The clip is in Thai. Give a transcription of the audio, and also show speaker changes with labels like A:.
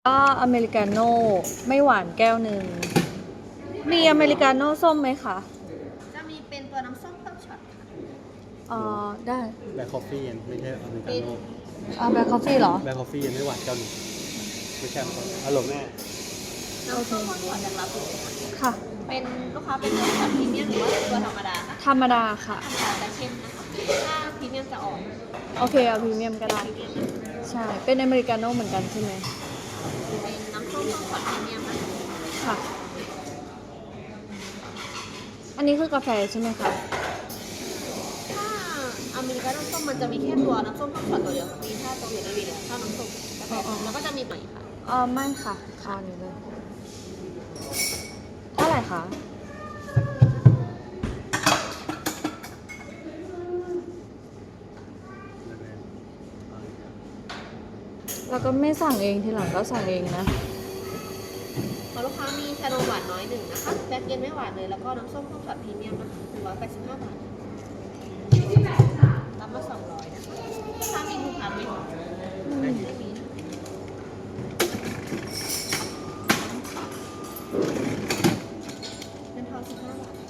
A: ก็อเมริกาโน่ไม่หวานแก้วหนึ่งมีอเมริกาโน่ส้มไหมคะ
B: จะมีเป็นตัวน้ำส้มต้มช็อตค่ะ
A: ได้
C: แบล็คคอฟฟี่ไม่ใช่อเมริกาโน่
A: แบล็คคอฟฟี่เหรอ
C: แบล็คคอฟฟี่ยังไม่หวานเจ้าหนึ่งไม่ใช่ครับอร่อยแม่
B: น้ำส้มต้มช็อตจากลาบู
A: ค่ะ
B: เป็นลูกค้าเป็นตัวช็อตพรีเมียมหรือว่าตัวธรรมดาคะ
A: ธรรมดาค่ะ
B: ธรรมดาจะเข้มนะคะถ้าพรีเมียมจะอ่อน
A: โอเคเอาพรีเมียมก็ได้ใช่เป็นอเมริกาโน่เหมือนกันใช่ไหม
B: เป็นน้ำส้มต้มช็อตพรีเมียมนะคะ
A: ค่ะอันนี้คือกาแฟใช่ไหมคะ
B: ถ้าอเมริกาโน่ส้มมันจะมีแค่ตัวน้ำส้มต้มช็อตตัวเดียวค่ะมีถ้าตัวอื่นไม่มีเลยถ้าน้ำส้มกาแฟแล้วก็จะมีใหม่ค่ะ
A: ไม่ค่ะคอนี้เลยเท่าไหร่คะแล้วก็ไม่สั่งเองทีหลังก็สั่งเองนะ
B: พอลูกค้ามีชานมหวานน้อยหนึ่งนะคะแบล็คเย็นไม่หวานเลยแล้วก็น้ำส้มต้มช็อตพรีเมียมนะคะ185 บาทรับมา200นะคะลูกค้ามีคูปองไหมไม่มีเป็นทอน15 บาท